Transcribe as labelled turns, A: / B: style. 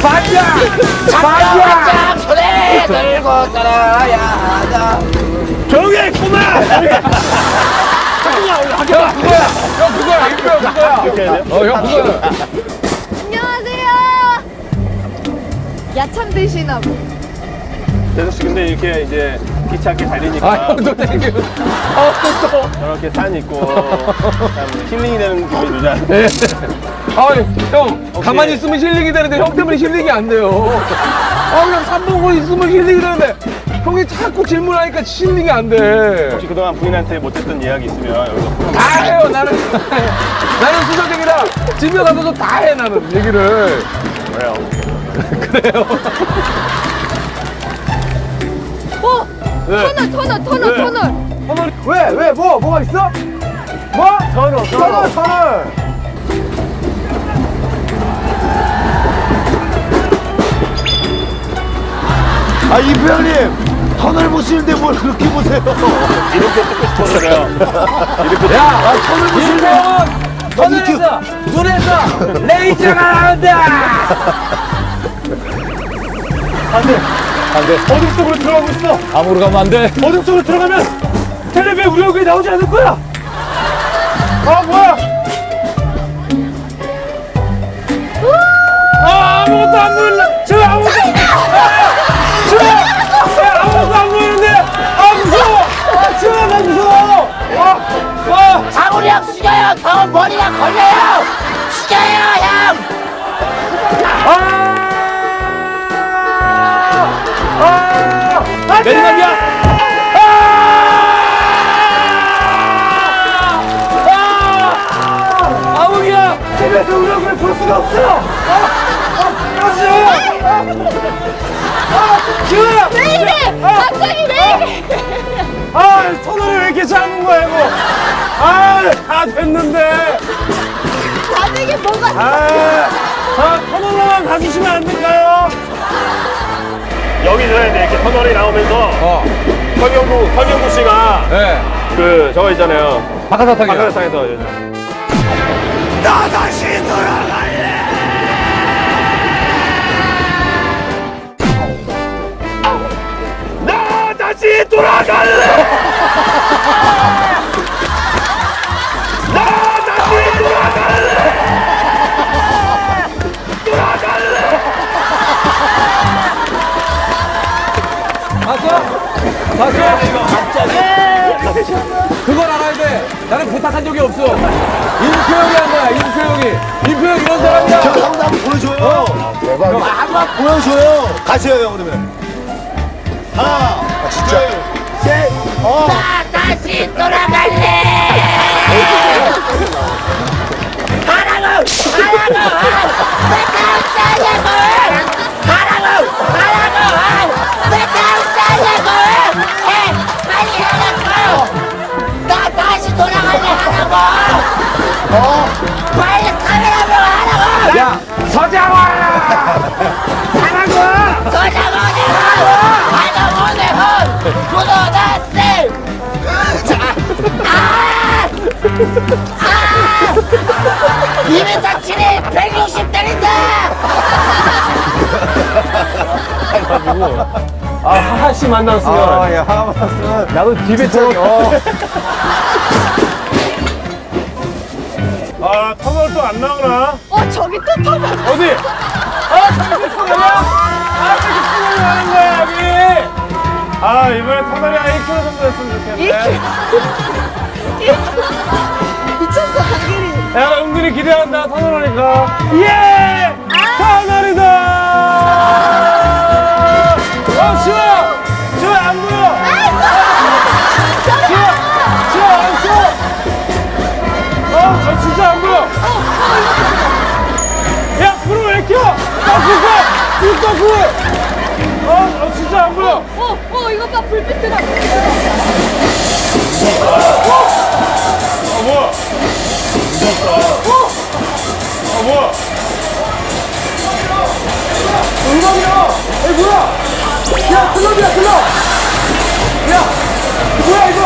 A: 반장!
B: 반장 손에 들고 따라야 하자.
A: 조용히 해, 꼬마! 형, 그거야! 형, 그거야! 형, 그거야!
C: 안녕하세요. 야참 드시나 봐.
D: 대석씨 근데 이렇게 이제 귀찮게 달리니까
A: 아, 형도 땡겨. 또.
D: 저렇게 산 있고 참 힐링이 되는 기분이 들잖아.
A: 네. 아, 형, 가만히 있으면 힐링이 되는데 형 때문에 힐링이 안 돼요. 아, 그냥 3분 있으면 힐링이 되는데 형이 자꾸 질문하니까 힐링이 안 돼.
D: 혹시 그동안 부인한테 못했던 이야기 있으면 여기서
A: 다 해요, 나는. 나는 수석이라 집에 가서도 다 해, 나는 얘기를.
D: 그래요.
A: 그래요.
C: 어?
A: 네.
C: 터널.
A: 왜? 뭐가 있어? 뭐? 터널.
E: 아, 이부 형님, 터널 보시는데 뭘 그렇게 보세요?
D: 이렇게 듣고 싶어서 그래요. 이렇게
A: 야, 터널 보시면 터널에서 눈에서 레이저가 나온다.
D: 어둠 속으로 들어가고 있어.
A: 아무로 가면 안 돼.
D: 어둠 속으로 들어가면 텔레비에 우리 얼굴이 나오지 않을 거야. 아 뭐야? 아 아무것도 안 보인다. 저 아무것도 아무것도 안 보이는데. 아 무서워. 나 무서워.
B: 장훈이 형 숙여요. 더 머리가 걸려요. 숙여요 형.
D: 내리막이야.
A: 아웅이야.
D: 집에서 우리 얼굴을 볼 수가 없어. 지우야.
C: 왜 이래? 갑자기 왜 이래?
D: 아 터널이 왜 이렇게 작은 거야 이거. 다 됐는데.
C: 다 되게 뭐가
D: 터널로만 가주시면 안 될까요? 여기저기 이렇게 터널이 나오면서 서경구 씨가
A: 네.
D: 그 저거 있잖아요.
A: 박하사탕이야.
D: 박하사탕에서
E: 나 다시 돌아갈래!
D: 나 다시 돌아갈래! 나 다시 돌아갈래!
A: 봤어? 그걸 알아야 돼. 나는 부탁한 적이 없어. 임표영이 한 거야, 임표영이. 임표영 이런 사람이야.
E: 저 형도 한번 보여줘요. 대박. 한번 보여줘요. 가세요, 형, 그러면. 하나, 진짜. 셋,
B: 나 다시 돌아갈래. 하라고. 빨리 하라고. 나 다시 돌아갈래 하라고. 빨리 카메라로 하라고.
A: 야, 서장원! 하라고!
B: 서장훈의 구도났대. 이미 다치니 160대인데.
D: 하하씨 만났으면
A: 야, 하마스는. 나도 디베처럼.
D: 터널 또 안 나오나?
C: 저기 또 터널.
D: 어디? 저기 터널이야? 저기 터널이 나는 거야 여기. 이번에 터널이 한 1km 정도 됐으면 좋겠네.
C: 미쳤어 강길이.
D: 야, 은근히 기대한다, 터널 오니까. 예! 터널이다! 시호야! 시호야, 안 보여! 시호야, 안 써! 진짜 안 보여! 야, 불을 왜 켜? 불 불! 진짜 안 보여!
C: 이거 봐 불빛 들어.
D: 뭐야? 뭐야? 음악이야! 뭐야? 야, 클럽이야, 클럽! 야, 뭐야, 이거?